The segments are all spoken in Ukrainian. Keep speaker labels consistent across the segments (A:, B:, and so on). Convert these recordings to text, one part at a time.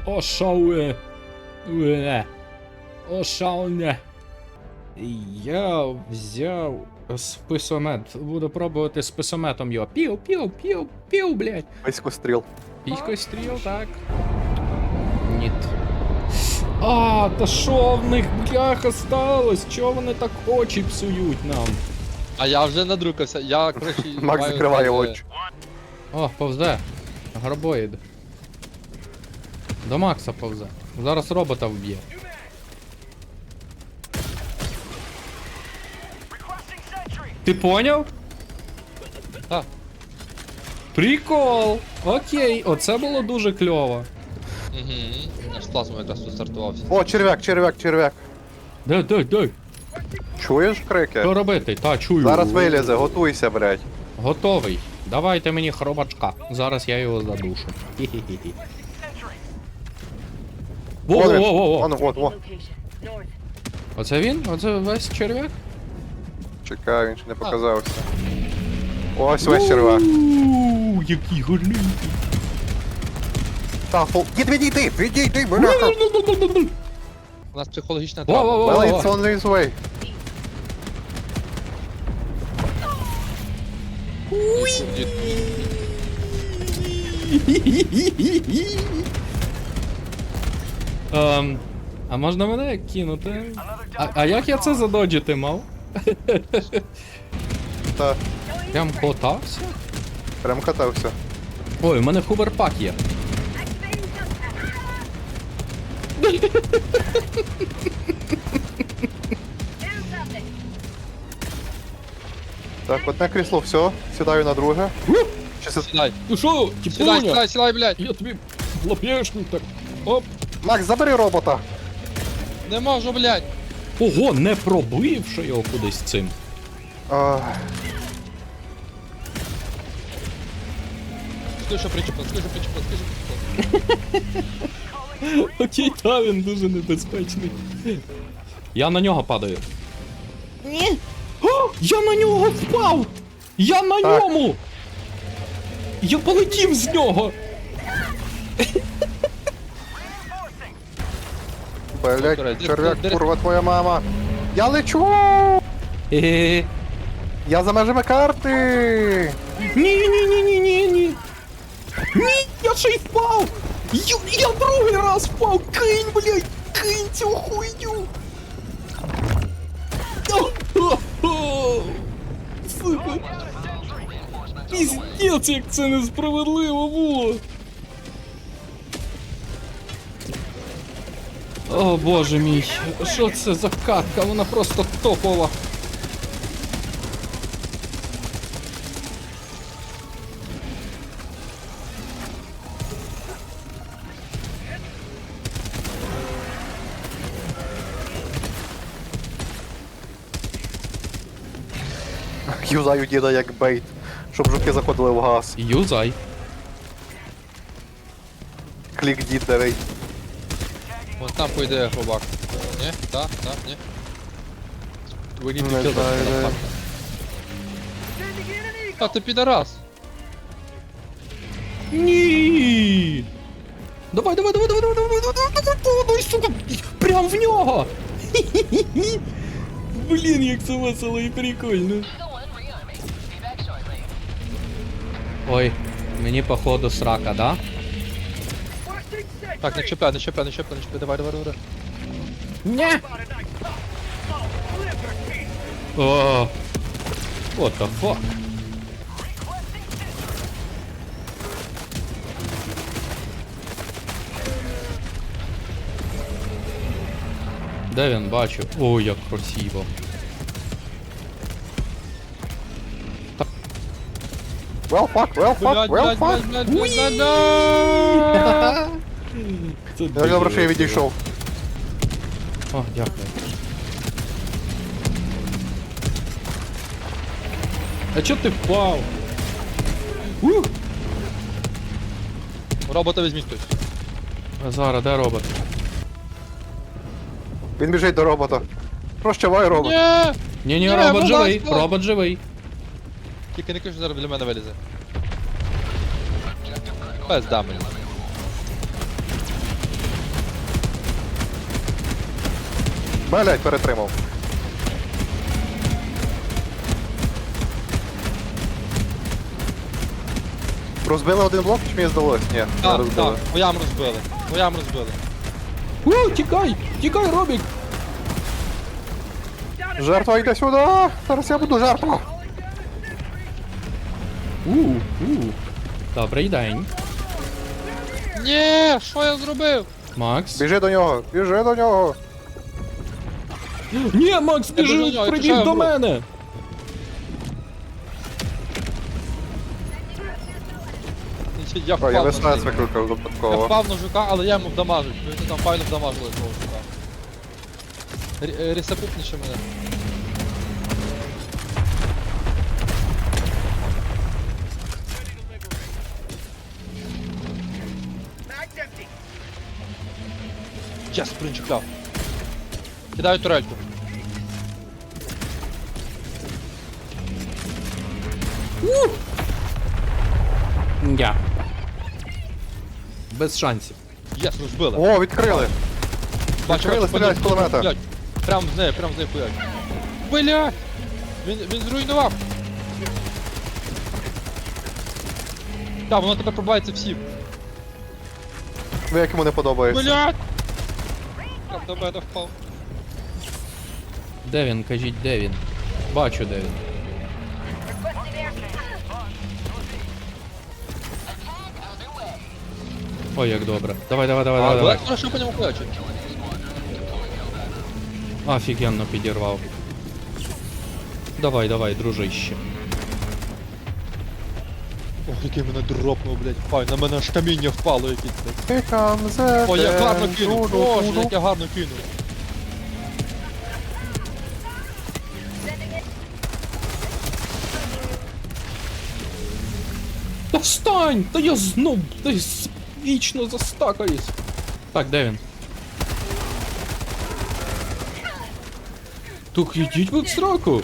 A: Ошауе. Ошауне. Я взяв списомет. Буду пробувати списометом його. Пів, блядь.
B: Писькостріл.
A: Піськостріл, так. Ніт. А, та що в них, бляха, сталось? Чого вони так очі псують нам?
C: А я вже надрукався, я коротше.
B: Макс
C: маю
B: закриває
C: знати-
B: очі.
A: О, повзе. Гарбоїд. До Макса повзе. Зараз робота вб'є. Ти поняв?
C: Так.
A: Прикол! Окей, оце було дуже кльово.
C: Угу. Наш плазма якраз тут стартувався.
B: О, черв'як.
A: Дай.
B: Чуєш крики?
A: Що робити? Та, чую.
B: Зараз вилізе, готуйся, блядь.
A: Готовий. Давайте мені хробачка. Зараз я його задушу. Хі-хі-хі. Во-во-во-во.
B: Вон, во.
D: Location. North.
A: Оце він? Оце весь черв'як?
B: Чекай, він ще не показався. Ось весь черв'як.
A: Ууу, який гарний.
B: Та, відійди, бляха.
C: У нас психологічна
A: Во-во-во.
C: травма.
B: Well, it's on this way.
A: А можна мене кинути? А як я це задоджити мав?
B: Та,
A: Прям котався?
B: прям катався.
A: Ой, у мене хуверпак є.
B: Так, одне крісло, все. Сідаю на друге. Чи це...
C: Сідай,
A: Ну що,
C: сідай, блядь.
A: Я тобі лапєшник так. Оп.
B: Макс, забери робота.
C: Не можу, блядь.
A: Ого, не пробивши його кудись цим.
B: А,
C: Скажи, що причепив.
A: Окей, та він дуже небезпечний. Я на нього падаю. Ні. О, я на нього впав! Я на
B: Так.
A: ньому! Я полетів з нього!
B: блядь, черв'як, курва, твоя мама. Я лечу!
A: Е-е-е.
B: Я за межами карти!
A: Ні. Ні, я ще й впав! Я другий раз впав! Кинь, блядь! Кинь цю хуйню! Сука! Піздець, як це несправедливо було! О боже мій, що це за катка? Вона просто топова!
B: Юзаю діда як бейт, щоб жуки заходили в газ.
A: Юзай!
B: Клік дід давай.
C: Вон там пойде хробак. Ні? Так, ні. We need to
B: Не
C: kill that
B: знаю, де.
C: motherfucker. А ти підарас.
A: Ні! Давай, сука! Прям в нього! Блін, як це весело і прикольно. Ой, мені походу срака, да?
C: Так, не чіпляй, давай.
A: Ні! О, what the fuck? Де він, бачу? О, як красиво.
B: Well fuck.
A: Це
B: Я добре, що я відійшов.
A: О, дякую. А чо ти впав?
C: Робота візьміть хтось.
A: Зараз, де робот?
B: Він біжить до робота. Прощавай, робот.
C: Ні!
A: Ні,
C: Ні,
A: робот
C: будь
A: живий,
C: ласка.
A: робот живий.
C: Тільки не кажи, що зараз біля мене вилізе. Пизда мені.
B: Блять, перетримав. Розбили один блок, чи мені здалось? Ні, не
C: Так,
B: розбили.
C: так, воям розбили. Воям розбили.
A: Тікай! Тікай, Робік!
B: Жертва йде сюди! Зараз я буду жертва!
A: Добрий день.
C: Ні, що я зробив?
A: Макс.
B: Біжи до нього! Біжи до нього!
A: Ні, Макс,
C: Я біжу до
A: біжи,
C: нього, я
A: прибіг
C: пішов,
A: до
C: бро.
A: мене!
C: Я
B: О, я
C: впав на
B: веснець
C: цей.
B: викликав
C: Я
B: випадково.
C: впав на жука, але я йому вдамажив. Ви там файно вдамажили того жука. Рісапупніше мене. Час, принчикляв. Кидаю турельку.
A: Я. Без шансів.
C: Єс, розбили.
B: О, відкрили!
C: Бачу,
B: відкрили, стріляють з кулемета.
C: блядь. Прям з нею хуять. Блядь! Він зруйнував. Так, воно тепер пробивається всім.
B: Ви як йому не подобається.
C: Блядь! Як до мене впав.
A: Де він, кажіть, де він? Бачу, де він. Ой, як добре. Давай, давай, давай,
C: А,
A: давай, давай.
C: давай, хорошо по ньому хуячить.
A: Офігенно підірвав. Давай, давай, дружище.
C: Ох, який мене дропнув, блядь. Фай, на мене аж каміння впало якесь, блядь.
B: Here comes the
C: О, я гарно
B: dance.
C: кинув.
B: Ду-ду,
C: Боже,
B: ду-ду.
C: як я гарно кинув.
A: Та встань! Та я знов десь вічно застакаюсь. Так, де він? Тук, йдіть в сраку!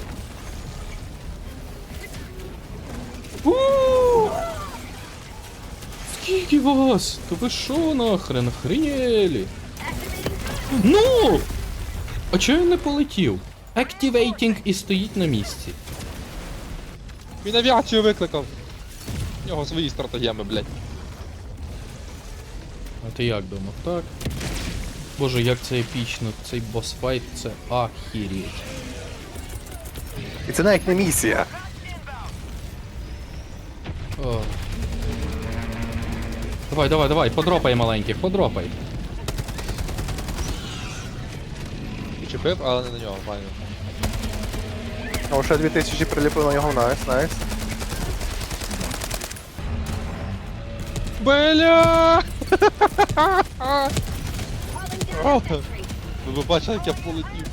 A: У! Скільки вас? Та ви шо нахрен? Охренєлі? Ну! А чого він не полетів? Activating і стоїть на місці.
C: Він авіацію викликав. У нього свої стратегеми, блядь.
A: А ти як думав, так? Боже, як це епічно, цей босфайт, це ахіріть.
B: І це навіть не місія.
A: О. Давай, давай, давай, подропай маленьких, подропай.
C: Чепив, але не на нього, файно.
B: О, ще 2000 приліпили на нього, найс, найс.
C: Бля! Ви б бачили, як я полетів.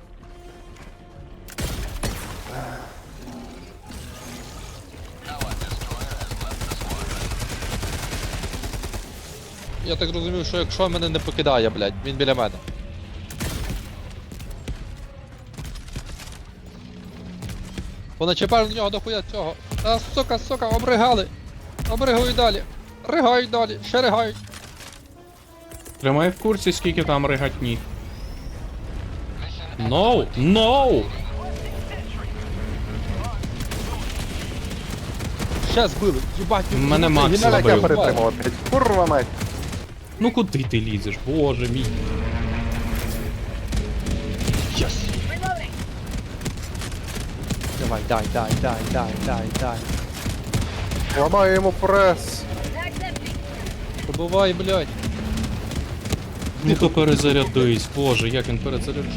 C: Я так зрозумів, що якщо мене не покидає, блядь, він біля мене. Поначепали на нього дохуя цього. А, сука, обригали. Обригують далі. Ригають далі, ще ригають.
A: Тримай в курсі, скільки там ригатні. No! No!
C: Ще збили, їбать.
A: Мене Макс
B: Він навіть я
A: забив.
B: перетримав опять. Курва мать.
A: Ну куди ти лізеш? Боже мій.
C: Єс. Давай, дай.
B: Ламаю йому прес.
C: Пробивай, блядь.
A: Ну то перезарядись, боже, як він перезаряджує.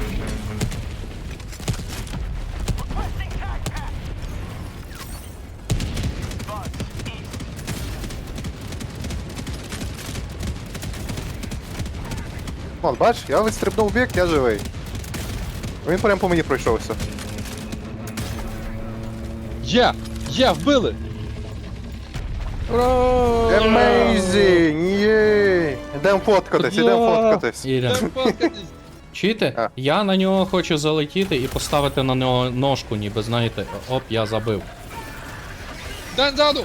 B: Вон, бач, я відстрибнув в бік, я живий. Він прям по мені пройшовся.
C: Є, вбили.
B: Amazing! Єй! Ідем фоткатись, ідем фоткатись.
A: Ірен. Чуєте?
B: А.
A: Я на нього хочу залетіти і поставити на нього ножку, ніби знаєте, оп, я забив.
C: Дай ззаду.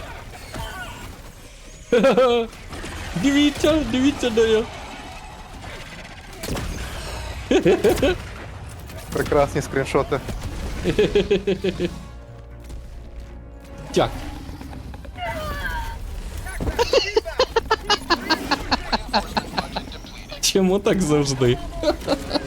A: Дивіться, де я.
B: Прекрасні скріншоти.
A: Тяг. Чому так завжди?